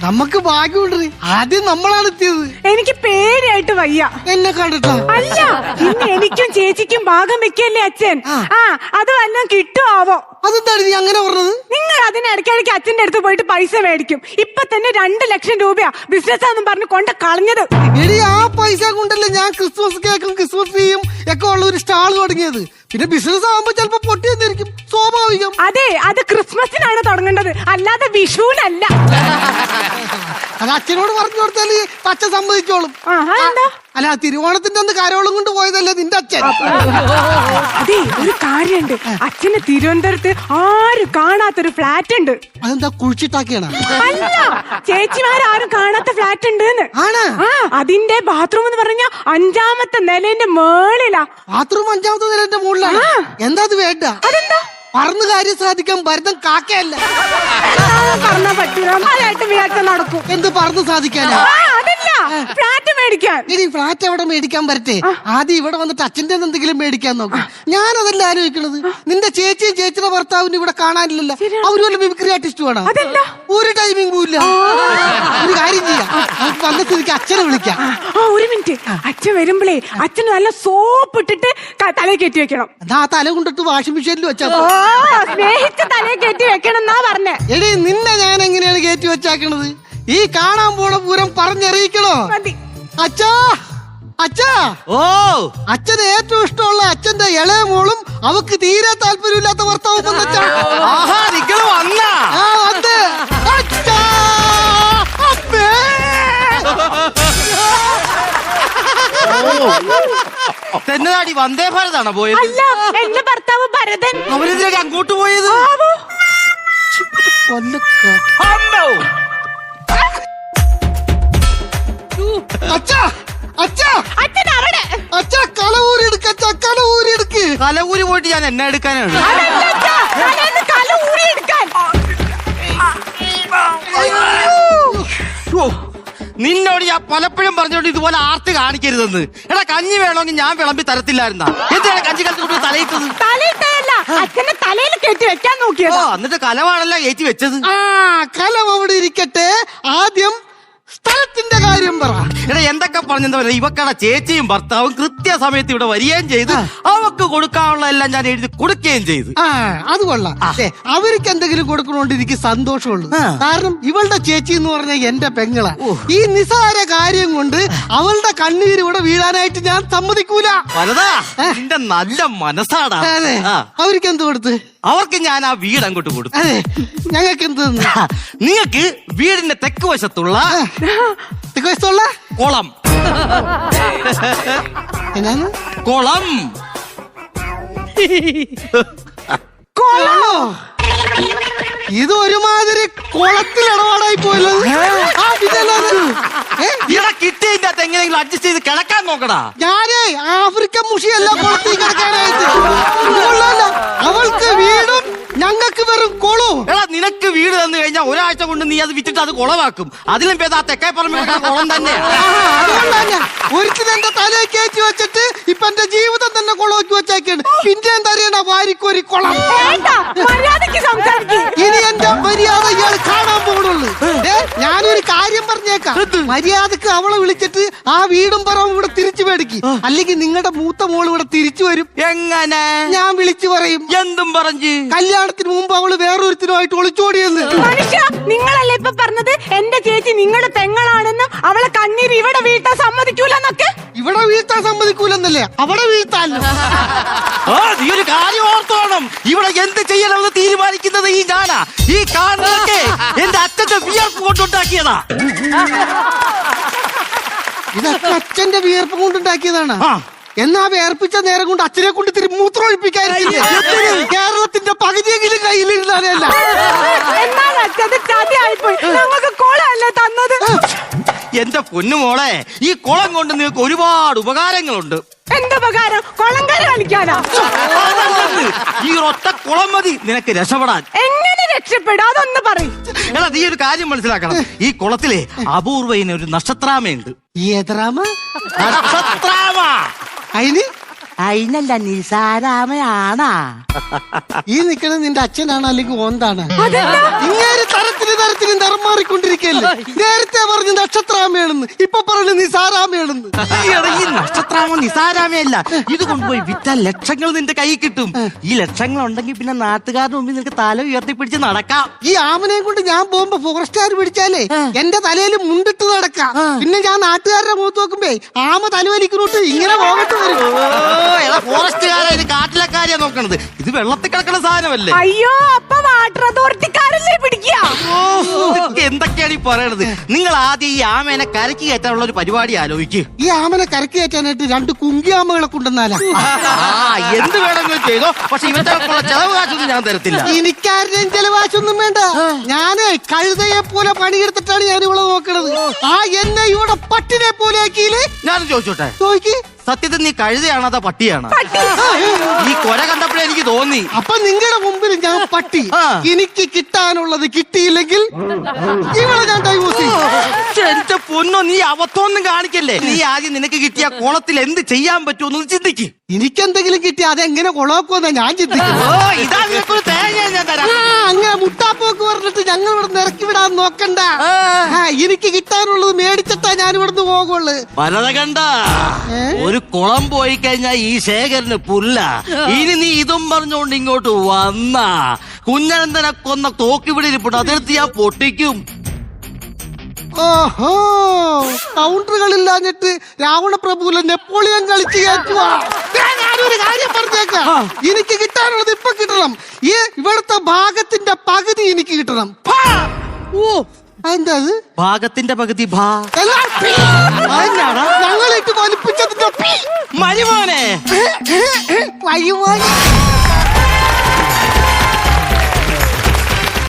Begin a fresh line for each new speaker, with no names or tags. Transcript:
നമുക്ക് ഭാഗ്യമുണ്ട്. ആദ്യം നമ്മളാണ് എത്തിയത്.
എനിക്ക് പേരായിട്ട് വയ്യ
എന്നെ കണ്ടിട്ടോ?
അല്ല, ഇന്ന് എനിക്കും ചേച്ചിക്കും ഭാഗം വെക്കല്ലേ അച്ഛൻ. അത് വല്ലതും കിട്ടുമാവോ?
അതെന്താണ് നീ അങ്ങനെ പറഞ്ഞത്?
നിങ്ങൾ അതിനിടയ്ക്കിടയ്ക്ക് അച്ഛന്റെ അടുത്ത് പോയിട്ട് പൈസ മേടിക്കും. ഇപ്പൊ തന്നെ 2 ലക്ഷം രൂപയാ ബിസിനസ് ആണെന്നും പറഞ്ഞ് കൊണ്ട് കളഞ്ഞത്.
എടി, ആ പൈസ കൊണ്ടല്ലേ ഞാൻ ക്രിസ്മസ് കേക്കും ക്രിസ്മസ് ട്രീയും ഒക്കെ ഉള്ള ഒരു സ്റ്റാൾ തുടങ്ങിയത്. പിന്നെ ബിസിനസ് ആകുമ്പോ ചിലപ്പോ പൊട്ടി വന്നിരിക്കും, സ്വാഭാവികം.
അതെ, അത് ക്രിസ്മസിനാണ് തുടങ്ങേണ്ടത്, അല്ലാതെ വിഷുവിനല്ല.
അത് അച്ഛനോട് പറഞ്ഞു കൊടുത്താല് അച്ഛൻ സമ്മതിച്ചോളും. അല്ല, തിരുവോണത്തിന്റെ അന്ന് കരോളം കൊണ്ട് പോയതല്ലേ നിന്റെ അച്ഛൻ.
അതെ, ഒരു കാര്യണ്ട്, അച്ഛന് തിരുവനന്തപുരത്ത് ആരും കാണാത്തൊരു ഫ്ലാറ്റ് ഉണ്ട്.
അതെന്താ, കുഴിച്ചിട്ടാക്കിയാണ്?
അല്ല, ചേച്ചിമാരും കാണാത്ത ഫ്ലാറ്റ് ഉണ്ട്. അതിന്റെ ബാത്റൂം എന്ന് പറഞ്ഞ 5ാമത്തെ നിലന്റെ മേളിലാ.
ബാത്റൂം 5ാമത്തെ നിലന്റെ മുകളിലാണ്? എന്താ അത് വേണ്ട?
അതെന്താ?
പറന്ന് കാര്യം സാധിക്കാൻ ഭരതം കാക്കയല്ല.
പറഞ്ഞാ പറ്റൂല, അതായിട്ട് വിചാരിച്ച നടക്കും.
എന്ത് പറന്ന് സാധിക്കാനാ?
അതല്ല, ഫ്ലാറ്റ് മേടിക്കാൻ.
ഇനി ഫ്ലാറ്റ് എവിടെ മേടിക്കാൻ പറ്റേ? ആദ്യം ഇവിടെ വന്നിട്ട് അച്ഛൻ്റെ എന്തെങ്കിലും മേടിക്കാൻ നോക്കും. ഞാനതല്ല ആലോചിക്കണത്. നിന്റെ ചേച്ചിയും ചേച്ചിയുടെ ഭർത്താവിനും ഇവിടെ കാണാനില്ലല്ലോ. അവര് വല്ല മിമിക്രി ആർട്ടിസ്റ്റ് വേണം. ഒരു ടൈമിംഗ് പോയില്ല. ഒരു കാര്യം ചെയ്യാം, നമുക്ക് വന്ന സ്ഥിതിക്ക് അച്ഛനെ വിളിക്കാം.
ഒരു മിനിറ്റ്, അച്ഛൻ വരുമ്പോഴേ അച്ഛന് നല്ല സോപ്പ് ഇട്ടിട്ട് തലയിൽ കെട്ടി വെക്കണം.
എന്നാ ആ തല കൊണ്ടിട്ട് വാഷിംഗ് മെഷീനിൽ വെച്ചാ
സ്നേഹിച്ച് തലയിൽ കെട്ടി വെക്കണം എന്നാ പറഞ്ഞേ.
എടി, നിന്നെ ഞാൻ എങ്ങനെയാണ് കയറ്റി വെച്ചാക്കണത്? ഈ കാണാൻ പോണ പൂരം പറഞ്ഞറിയിക്കണോ? അച്ഛാ, അച്ഛാ. ഓ, അച്ഛന് ഏറ്റവും ഇഷ്ടമുള്ള അച്ഛന്റെ ഇളയ മോളും അവക്ക് തീരെ താല്പര്യമില്ലാത്ത ഭർത്താവും വന്നച്ചാ.
തെന്നതാടി വന്ദേ ഭാരതാണോ പോയത്?
അല്ല, എന്റെ ഭർത്താവ് ഭരതൻ.
അവരെതിരെ അങ്ങോട്ട് പോയത്?
അച്ഛാ, അച്ഛാ,
അച്ഛൻ അവിടെ.
അച്ഛാ, കലവൂരി എടുക്ക, കലവൂരി എടുക്ക്.
കലവൂരി പോയിട്ട് ഞാൻ എന്നെ എടുക്കാനാണ്. നിന്നോട് ഞാൻ പലപ്പോഴും പറഞ്ഞോണ്ട് ഇതുപോലെ ആർത്തി കാണിക്കരുതെന്ന്. എടാ, കഞ്ഞി വേണമെങ്കിൽ ഞാൻ വിളമ്പി തരത്തില്ലായിരുന്ന. എന്താണ് കഞ്ഞി കലത്ത് തലയിട്ടത്?
തലയിട്ടല്ല, അച്ഛന്റെ തലയിൽ കെട്ടി വെക്കാൻ നോക്കിയോ?
എന്നിട്ട് കലവാണല്ല കയറ്റി വെച്ചത്.
കലം അവിടെ ഇരിക്കട്ടെ, ആദ്യം സ്ഥലത്തിന്റെ കാര്യം പറ.
എടാ, എന്തൊക്കെ പറഞ്ഞെന്താ പറയുക, ഇവക്കടെ ചേച്ചിയും ഭർത്താവും കൃത്യസമയത്ത് ഇവിടെ വരികയും ചെയ്ത് അവക്ക് കൊടുക്കാനുള്ള എല്ലാം ഞാൻ എഴുതി കൊടുക്കുകയും ചെയ്തു.
അത് കൊള്ളാം. അവർക്ക് എന്തെങ്കിലും കൊടുക്കണോണ്ട് എനിക്ക് സന്തോഷമുള്ളൂ. കാരണം ഇവളുടെ ചേച്ചി എന്ന് പറഞ്ഞ എന്റെ പെങ്ങളാ. ഈ നിസാര കാര്യം കൊണ്ട് അവളുടെ കണ്ണീര് ഇവിടെ വീഴാനായിട്ട് ഞാൻ സമ്മതിക്കൂല.
നിന്റെ നല്ല മനസ്സാടാ.
അവർക്ക് എന്ത് കൊടുത്ത്?
അവർക്ക് ഞാൻ ആ വീട് അങ്ങോട്ട് കൊടുത്തു.
ഞങ്ങൾക്ക് എന്ത്?
നിങ്ങൾക്ക് വീടിന്റെ തെക്ക് വശത്തുള്ള കുളം. കുളം
കൊള്ളോ? ഇത് ഒരുമാതിരി കുളത്തിൽ ഇടപാടായി പോയല്ലോ.
കിട്ടിയതിന്റെ അകത്ത് എങ്ങനെയെങ്കിലും അഡ്ജസ്റ്റ് ചെയ്ത് കിടക്കാൻ നോക്കടാ.
ഞാനേ ആഫ്രിക്കൻ മുഷിയല്ല കുളത്തിൽ കിടക്കാനായിട്ട്. അവൾക്ക് വീടും ഞങ്ങൾക്ക് വെറും കുളവും.
എടാ, നിനക്ക് വീട് തന്നു കഴിഞ്ഞാൽ ഒരാഴ്ച കൊണ്ട് നീ അത് വിറ്റിട്ട് അത് കുളമാക്കും. അതിലും ഭേദം ആ തെക്കേ പറമ്പിൽ കുളം തന്നെ.
ഒരിക്കലും എന്റെ തലയിൽ കയറ്റി വെച്ചിട്ട് ഇപ്പൊ എന്റെ ജീവിതം തന്നെ കുളമാക്കി വെച്ചേക്കാണ്. പിന്നെ എന്താ അറിയണ, വാരിക്കൊരു കുളം. ഇനി എന്റെ മര്യാദ ഇയാൾ കാണാൻ പോകണുള്ളൂ. ഞാനൊരു കാര്യം പറഞ്ഞേക്കാം, മര്യാദക്ക് അവളെ വിളിച്ചിട്ട് ആ വീടും പറവും ഇവിടെ തിരിച്ചു മേടിക്കും. അല്ലെങ്കിൽ നിങ്ങളുടെ മൂത്ത മോൾ ഇവിടെ തിരിച്ചു വരും.
എങ്ങനെ?
ഞാൻ വിളിച്ചു പറയും.
എന്തും പറഞ്ഞു?
കല്യാണത്തിന് മുമ്പ് അവള് വേറൊരുത്തിനുമായിട്ട് ഒളിച്ചോടിയെന്ന്.
നിങ്ങളല്ലേ ഇപ്പൊ പറഞ്ഞത് എന്റെ ചേച്ചി നിങ്ങളുടെ പെങ്ങളാണെന്നും അവളെ കണ്ണീര് ഇവിടെ വീഴ്ത്താൻ സമ്മതിക്കൂലെന്നൊക്കെ?
ഇവിടെ വീഴ്ത്താൻ സമ്മതിക്കൂലെന്നല്ലേ, അവിടെ വീഴ്ത്താല്ലോ.
നീ ഒരു കാര്യം ഓർത്തോണം, ഇവിടെ എന്ത് ചെയ്യണമെന്ന് തീരുമാനിക്കുന്നത് ഈ ഞാനാ. ഈ കാണുന്നതൊക്കെ എന്റെ അച്ഛന്റെ വിയർപ്പ് കൊണ്ടുണ്ടാക്കിയതാ.
ഇതൊക്കെ അച്ഛന്റെ വിയർപ്പ് കൊണ്ടുണ്ടാക്കിയതാണ്. എന്നാ വേർപ്പിച്ച നേരം കൊണ്ട് അച്ഛനെ കൊണ്ട് തിരി മൂത്രം ഒഴിപ്പിക്കാതിരിക്കില്ല. കേരളത്തിന്റെ പകുതിയെങ്കിലും കയ്യിലിരുന്നാലല്ല.
എന്റെ പൊന്നുമോളെ, ഈ കുളം കൊണ്ട് നിങ്ങൾക്ക് ഒരുപാട് ഉപകാരങ്ങളുണ്ട്.
എന്തുപകാരം? കുളം കര കളിക്കാനാ?
ഈ ഒറ്റ കുളം മതി നിനക്ക് രക്ഷപ്പെടാൻ.
എങ്ങനെ രക്ഷപ്പെടും? അതൊന്ന് പറയും.
എടാ, നീ ഒരു കാര്യം മനസ്സിലാക്കണം. ഈ കുളത്തിലെ അപൂർവയിന് ഒരു നക്ഷത്രാമയുണ്ട്.
ഏതരാമ?
നക്ഷത്രാമ.
അതിനല്ല, നിസാരാമയാണാ. ഈ നിക്കണത് നിന്റെ അച്ഛനാണ് അല്ലെങ്കിൽ ഓന്താണ്?
ഇങ്ങനെ
തരത്തിൽ തരത്തിലും നിറം മാറിക്കൊണ്ടിരിക്കല്ലേ. നേരത്തെ പറഞ്ഞു നക്ഷത്രാമയാണെന്ന്, ഇപ്പൊ പറഞ്ഞു നിസാരാമയാണെന്ന്.
ഈ നക്ഷത്രാമ നിസാരാമയല്ല, ഇത് കൊണ്ടുപോയി വിറ്റാൽ ലക്ഷങ്ങൾ നിന്റെ കൈ കിട്ടും. ഈ ലക്ഷങ്ങൾ ഉണ്ടെങ്കിൽ പിന്നെ നാട്ടുകാരുടെ മുമ്പിൽ നിനക്ക് തല ഉയർത്തിപ്പിടിച്ച് നടക്കാം.
ഈ ആമനെയും കൊണ്ട് ഞാൻ പോകുമ്പോ ഫോറസ്റ്റുകാർ പിടിച്ചാലേ എന്റെ തലയിൽ മുണ്ടിട്ട് നടക്കാം. പിന്നെ ഞാൻ നാട്ടുകാരുടെ മുഖത്ത് നോക്കുമ്പേ ആമ തലവലിക്കുന്നോട്ട് ഇങ്ങനെ പോകട്ട് വരും.
ഫോറസ്റ്റുകാരാ ഇത് കാട്ടിലെ കാര്യ നോക്കണത്, ഇത് വെള്ളത്തിൽ കിടക്കണ സാധനമല്ലേ.
അയ്യോ, അപ്പൊ വാട്ടർ അതോറിറ്റിക്കാരല്ലേ പിടിക്കുക?
എന്തൊക്കെയാണ് ഈ പറയണത്? നിങ്ങൾ ആദ്യം ഈ ആമേനെ കരക്കി കയറ്റാനുള്ള ഒരു പരിപാടി ആലോചിക്ക്.
ഈ ആമനെ കരക്കി കയറ്റാനായിട്ട് 2 കുങ്കി ആമകളെ കൊണ്ടുവന്നാലാ.
എന്ത് വേണമെങ്കിലും ചെയ്തോ, പക്ഷെ ഇവന്റെ ചെലവ് കാശൊന്നും ഞാൻ തരത്തില്ല.
എനിക്കാരുടെയും ചെലവാശൊന്നും വേണ്ട. ഞാനേ കഴുതയെ പോലെ പണിയെടുത്തിട്ടാണ് ഞാൻ ഇവിടെ നോക്കണത്. എന്നെ ഇവിടെ പട്ടിനെ പോലെ ആക്കിയില്ലേ.
ഞാനും ചോദിച്ചോട്ടെ,
ചോദിക്ക്.
സത്യത്തിൽ നീ കഴുതയാണോ അതോ പട്ടിയാണോ? ഈ കൊല കണ്ടപ്പോഴേ എനിക്ക് തോന്നി.
അപ്പൊ നിങ്ങളുടെ മുമ്പിൽ ഞാൻ പട്ടി. എനിക്ക് കിട്ടാനുള്ളത് കിട്ടിയില്ലെങ്കിൽ ഇവിടെ ഞാൻ ഡൈവോഴ്സ് ചെയ്യും.
എന്റെ പൊന്നോ, നീ അവത്തൊന്നും കാണിക്കല്ലേ. നീ ആദ്യം നിനക്ക് കിട്ടിയ കോളത്തിൽ എന്ത് ചെയ്യാൻ പറ്റുമെന്ന് ചിന്തിക്ക്.
എനിക്കെന്തെങ്കിലും കിട്ടി അതെങ്ങനെ കൊളാക്കുമെന്നാ ഞാൻ ചിന്തിക്കുന്നു.
ഇതാ നിനക്കൊരു തേങ്ങ ഞാൻ തരാം.
അങ്ങനെ മുട്ടാപ്പോക്ക് പറഞ്ഞിട്ട് ഞങ്ങൾ ഇവിടെ ഇറക്കി വിടാൻ നോക്കണ്ട. എനിക്ക് കിട്ടാനുള്ളത് മേടിച്ചിട്ടാ ഞാൻ ഇവിടുന്ന് പോകുള്ളു.
പലത കണ്ട ഒരു കുളം പോയി കഴിഞ്ഞാൽ ഈ ശേഖരന് പുല്ല. ഇനി നീ ഇതും പറഞ്ഞുകൊണ്ട് ഇങ്ങോട്ട് വന്നാ കുഞ്ഞനന്തനെ കൊന്ന തോക്കിവിടെ ഇരിപ്പുണ്ട്, അതെടുത്ത് ഞാൻ പൊട്ടിക്കും.
ഓഹോ, കൗണ്ടറുകളില്ലാഞ്ഞിട്ട് രാവണപ്രഭുവിലെ നെപ്പോളിയൻ കളിച്ച് കയറ്റുവാ. ഞാനൊരു കാര്യം പറഞ്ഞേക്കാം, എനിക്ക് കിട്ടാനുള്ളത് ഇപ്പൊ കിട്ടണം. ഈ ഇവിടുത്തെ ഭാഗത്തിന്റെ പകുതി എനിക്ക് കിട്ടണം. ഓ, എന്താ അത്?
ഭാഗത്തിന്റെ പകുതി
ഞങ്ങളിട്ട് വലിപ്പിച്ചതിന്റെ
മരുമോനെ
വഴിമോനെ